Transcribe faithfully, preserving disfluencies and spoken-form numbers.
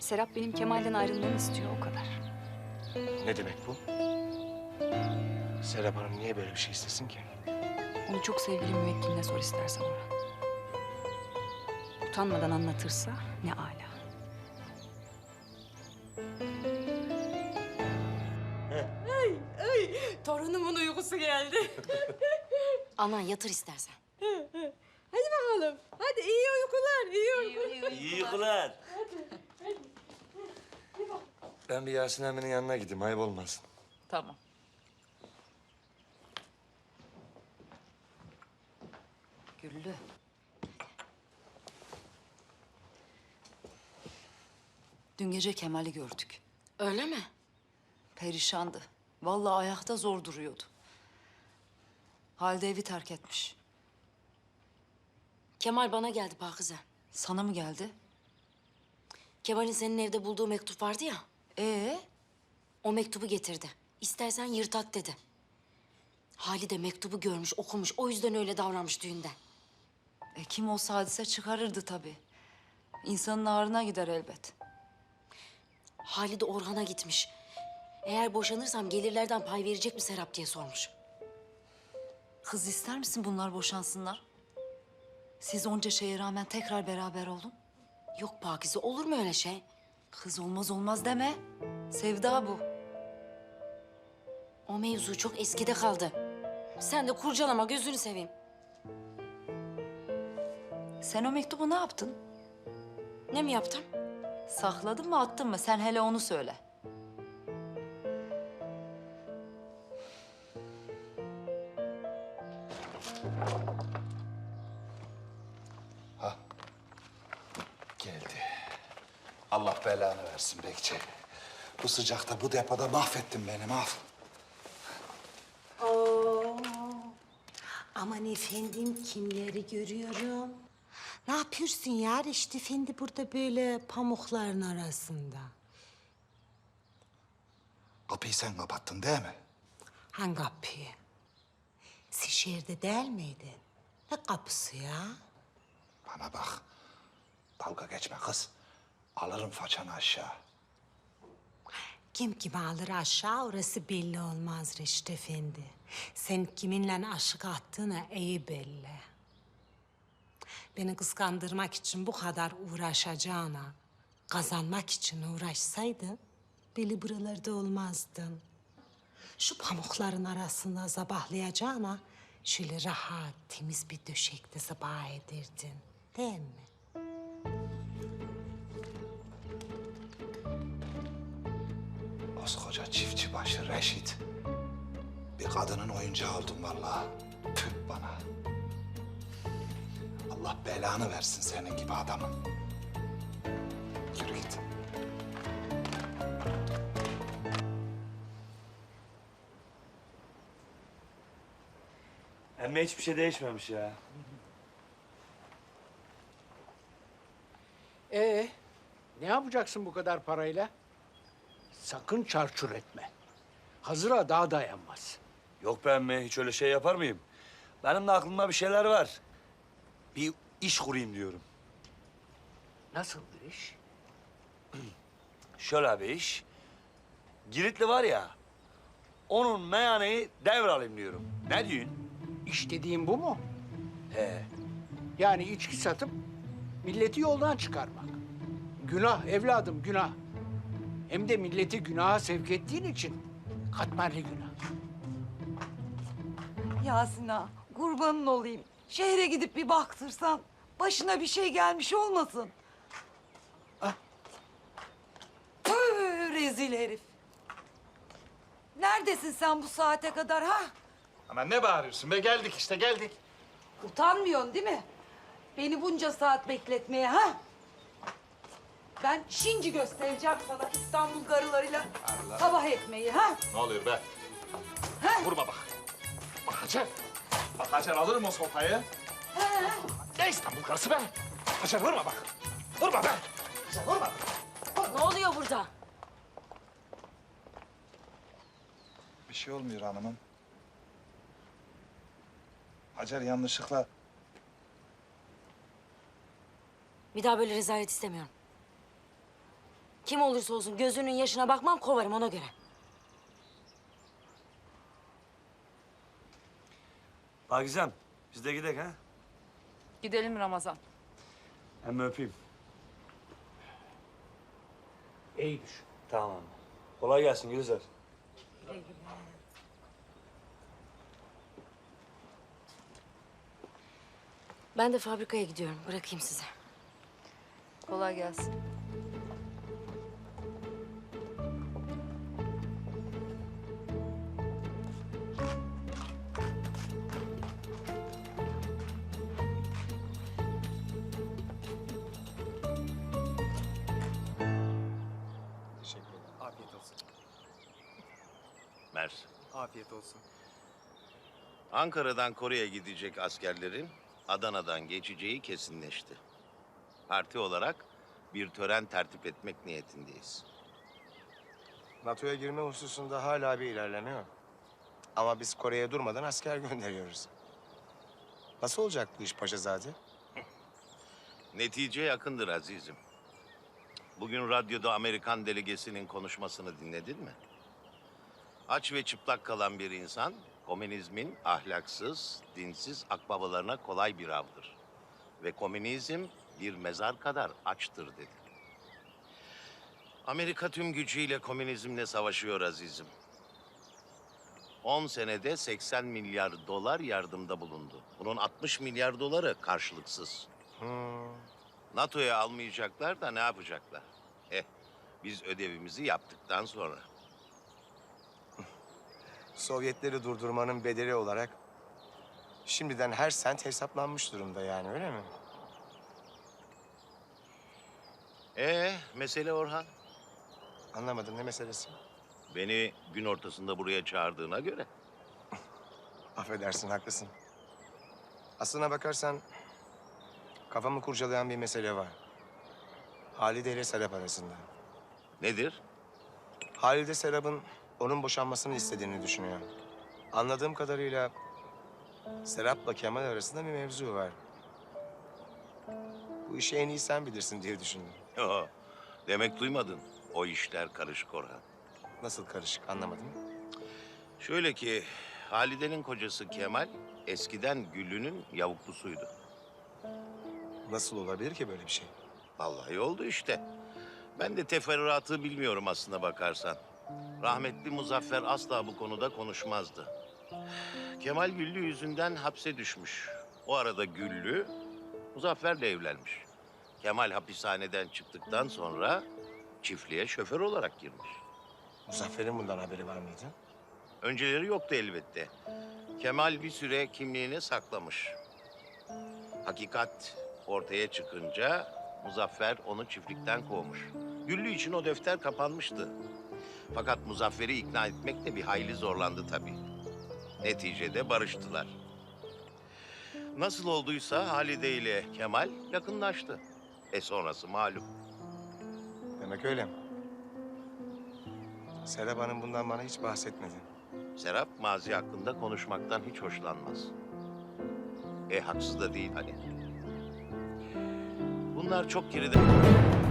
Serap benim Kemal'den ayrılmamı istiyor, o kadar. Ne demek bu? Serap Hanım niye böyle bir şey istesin ki? Onu çok sevgili müvekkiline sor istersen Orhan. Utanmadan anlatırsa ne âlâ. Ay, ay. Torunumun uykusu geldi. Anan yatır istersen. Hadi bakalım. Hadi iyi uykular, iyi uykular. İyi uykular. Ben bir Yasin emminin yanına gideyim, ayıp olmasın. Tamam. Güllü. Dün gece Kemal'i gördük. Öyle mi? Perişandı. Vallahi ayakta zor duruyordu. Halde evi terk etmiş. Kemal bana geldi Pakize. Sana mı geldi? Kemal'in senin evde bulduğu mektup vardı ya. Ee, O mektubu getirdi. İstersen yırtat dedi. Halide mektubu görmüş, okumuş. O yüzden öyle davranmış düğünde. e, kim olsa hadise çıkarırdı tabii. İnsanın ağrına gider elbet. Halide Orhan'a gitmiş. Eğer boşanırsam gelirlerden pay verecek mi Serap diye sormuş. Kız ister misin bunlar boşansınlar? Siz onca şeye rağmen tekrar beraber olun. Yok Pakize, olur mu öyle şey? Kız olmaz olmaz deme. Sevda bu. O mevzu çok eskide kaldı. Sen de kurcalama, gözünü seveyim. Sen o mektubu ne yaptın? Ne mi yaptım? Sakladın mı attın mı? Sen hele onu söyle. Geldi. Allah belanı versin Bekçi. Bu sıcakta, bu depoda mahvettin beni, mahv. Oo. Aman efendim, kimleri görüyorum. Ne yapıyorsun ya Reşit Efendi burada böyle pamukların arasında? Kapıyı sen kapattın değil mi? Hangi kapıyı? Siz şehirde değil miydin? Ne kapısı ya? Bana bak. Dalga geçme kız. Alırım façanı aşağı. Kim kimi alır aşağı orası belli olmaz Reşit Efendi. Sen kiminle aşık attığını iyi belli. Beni kıskandırmak için bu kadar uğraşacağına, kazanmak için uğraşsaydın, beni buralarda olmazdın. Şu pamukların arasında sabahlayacağına, şöyle rahat, temiz bir döşekte sabah edirdin, değil mi? Koskoca çiftçi başı Reşit. Bir kadının oyuncağı oldun vallahi. Tüh bana. Allah belanı versin senin gibi adamın. Yürü git. Emme hiçbir şey değişmemiş ya. Ee, ne yapacaksın bu kadar parayla? Sakın çarçur etme. Hazıra daha dayanmaz. Yok be emme, hiç öyle şey yapar mıyım? Benim de aklımda bir şeyler var. Bir iş kurayım diyorum. Nasıl bir iş? Şöyle bir iş. Giritli var ya, onun meyhaneyi devralayım diyorum. Ne diyorsun? İş dediğin bu mu? He. Yani içki satıp milleti yoldan çıkarmak. Günah evladım, günah. Hem de milleti günaha sevk ettiğin için katmerli günah. Yasin ağa, kurbanın olayım. Şehre gidip bir baktırsan başına bir şey gelmiş olmasın. Ah. Tüh, rezil herif. Neredesin sen bu saate kadar ha? Ama ne bağırıyorsun be? Geldik işte, geldik. Utanmıyorsun değil mi? Beni bunca saat bekletmeye ha? Ben şimdi göstereceğim sana İstanbul garılarıyla sabah ekmeği ha? Ne oluyor be? Vurma bak. Bak Hacer. Bak Hacer, alırım o sopayı. Ne İstanbul karısı be? Hacer vurma bak. Vurma be. Hacer vurma. Ne oluyor burada? Bir şey olmuyor hanımım. Hacer yanlışlıkla... Bir daha böyle rezalet istemiyorum. Kim olursa olsun gözünün yaşına bakmam, kovarım ona göre. Pakizem, biz de gidelim ha. Gidelim Ramazan. Hem öpeyim. İyi düşün. Tamam. Kolay gelsin Gülizar. Ben de fabrikaya gidiyorum. Bırakayım size. Kolay gelsin. Teşekkür ederim. Afiyet olsun. Mersi. Afiyet olsun. Ankara'dan Kore'ye gidecek askerlerin Adana'dan geçeceği kesinleşti. Parti olarak bir tören tertip etmek niyetindeyiz. NATO'ya girme hususunda hala bir ilerleme yok. Ama biz Kore'ye durmadan asker gönderiyoruz. Nasıl olacak bu iş Paşazade? Netice yakındır azizim. Bugün radyoda Amerikan delegesinin konuşmasını dinledin mi? Aç ve çıplak kalan bir insan, komünizmin ahlaksız, dinsiz akbabalarına kolay bir avdır. Ve komünizm bir mezar kadar açtır dedi. Amerika tüm gücüyle komünizmle savaşıyor azizim. On senede seksen milyar dolar yardımda bulundu. Bunun altmış milyar doları karşılıksız. Hmm. NATO'ya almayacaklar da ne yapacaklar? Eh, biz ödevimizi yaptıktan sonra. Sovyetleri durdurmanın bedeli olarak şimdiden her sent hesaplanmış durumda yani öyle mi? Ee, mesele Orhan. Anlamadım ne meselesi? Beni gün ortasında buraya çağırdığına göre. Affedersin haklısın. Aslına bakarsan kafamı kurcalayan bir mesele var. Halide ile Serap arasında. Nedir? Halide Serap'ın onun boşanmasını istediğini düşünüyor. Anladığım kadarıyla Serap'la Kemal arasında bir mevzu var. Bu işi en iyi sen bilirsin diye düşündüm. Yo, demek duymadın. O işler karışık Orhan. Nasıl karışık anlamadım. Şöyle ki, Halide'nin kocası Kemal eskiden Güllü'nün yavuklusuydu. Nasıl olabilir ki böyle bir şey? Vallahi oldu işte. Ben de teferruatı bilmiyorum aslına bakarsan. Rahmetli Muzaffer asla bu konuda konuşmazdı. Kemal Güllü yüzünden hapse düşmüş. O arada Güllü Muzaffer'le evlenmiş. Kemal hapishaneden çıktıktan sonra çiftliğe şoför olarak girmiş. Muzaffer'in bundan haberi var mıydı? Önceleri yoktu elbette. Kemal bir süre kimliğini saklamış. Hakikat ortaya çıkınca Muzaffer onu çiftlikten kovmuş. Güllü için o defter kapanmıştı. Fakat Muzaffer'i ikna etmekle bir hayli zorlandı tabii. Neticede barıştılar. Nasıl olduysa Halide ile Kemal yakınlaştı. E sonrası malum. Demek öyle. Serap Hanım bundan bana hiç bahsetmedi. Serap mazi hakkında konuşmaktan hiç hoşlanmaz. E haksız da değil hani. Bunlar çok geride.